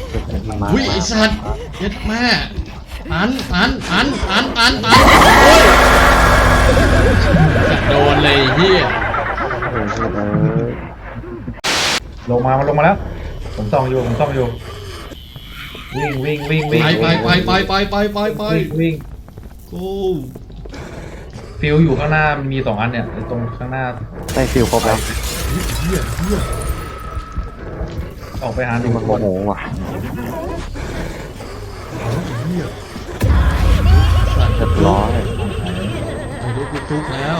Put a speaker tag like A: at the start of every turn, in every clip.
A: อุ้ยไอ้สัตว์เย็ดแม่อันโดนเลยเฮีย
B: ลงมามันลงมาแล้วผมส่องอยู่วิ่ง
A: ไป
B: วิ่ง
A: กู
B: ฟิวอยู่ข้างหน้ามันมี2 อันเนี่ยตรงข้างหน้า
C: ได้ฟิลครบแล้ว
A: เฮีย
B: ออกไปหา
C: นี่มันโมโหว่ะ
A: สัตว์
C: เรียบร้อย
A: ไอ้ลูกกูทุกแล้ว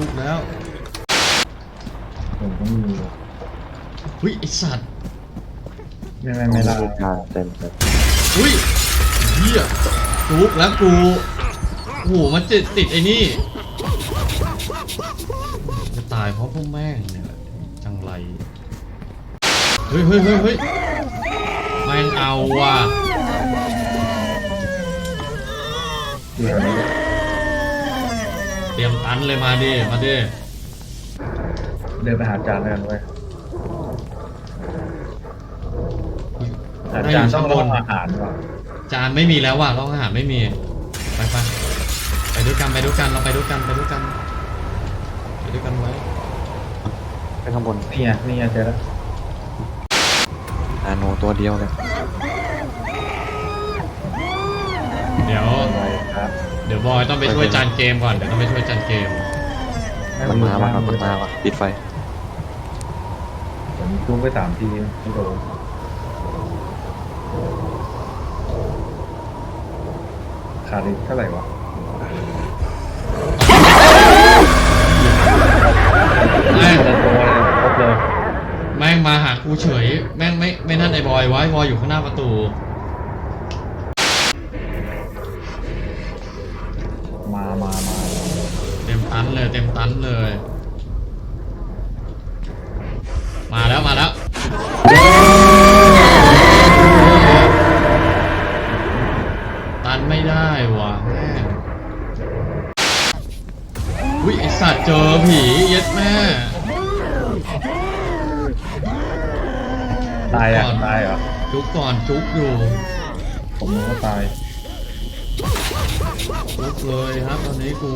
B: ผมก็มี
A: อุ้ยไอ้สัตว์
B: ไม่ได้
C: เต็ม
A: อุ้ยเฮียทุกแล้วกูโอ้โหมันติดไอ้นี่จะตายเพราะพวกแม่งเนี่ยจังไรเฮ้ยแม่งเอาว่ะเตรียมตันเลยมาดิ
B: เดินไปหาจานเลยเว้ยจานต้องรออาหารว่ะ
A: จานไม่มีแล้วว่ะร้องอาหารไม่มีไปด้วยกันเราไปด้วยกันไว้
C: ไปข้างบน
B: นี่ไงเจอแล้ว
C: อาโนตัวเดียวเลย
A: เดี๋ยว
B: ไปครับ
A: เดี๋ยวบอยต้องไปช่วยจานเกมก่อนมัน
C: มาว่ะปิดไฟ
B: ผมจุ้มไป3 ทีไม่โดนขาดอีกเท่าไหร่วะ
A: แม่ง
B: คนละตัวเลยครบเลย
A: แม่งมาหากูเฉยแม่งไม่นั่นไอ้บอยไว้บอยอยู่ข้างหน้าประตู
B: มา
A: เต็มตันเลย มาแล้วตันไม่ได้ว่ะแม่งอุ้ยไอสัตว์เจอผีเย็ดแม่
B: ตายเหรอ
A: จุกก่อนจุกอยู่
B: ผมนึกว่าตาย
A: จุกเลยครับตอนนี้กู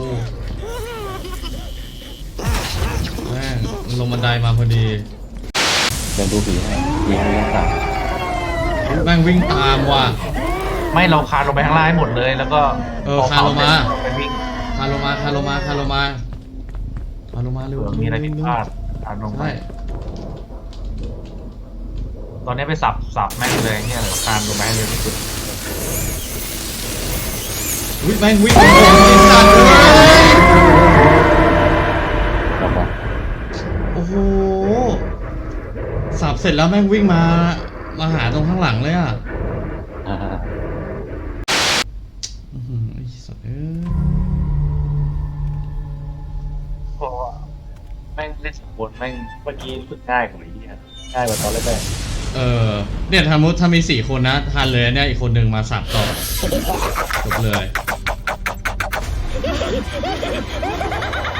A: แม่งมันลงบันไดมาพอดี
C: เดินดูผีให้ยิงยังสาม
A: แม่งวิ่งตามว่ะ
B: ไม่เราคานลงไปข้างล่างให้หมดเลยแล้วก็
A: คานลงมา
B: ไปวิ่ง
A: คาโลมาเร็ว
B: มีอะไรผิดพลาดคานลงไป
A: ใช่
B: ตอนนี้ไปสับแม่งเลยเนี่ยคานลงไปให้เร็วที่สุด
A: วิ่งแม่งวิ่งไอ้สัตว์เลย
C: ครับผม
A: โอ้โหสับเสร็จแล้วแม่งวิ่งมาหาตรงข้างหลังเลยอ่ะ
C: อ่า
A: ไอ้สัตว์เอ้ย
B: เพราะว่าแม่งเล่นสมบูรณ์แม่งเมื่อกี้รู้สึกง่ายกว่านี้ง่ายกว่าตอนแรก
A: เนี่ยถ้ามี4 คนนะทันเลยเนี่ยอีกคนหนึ่งมาสับต่อจบเลย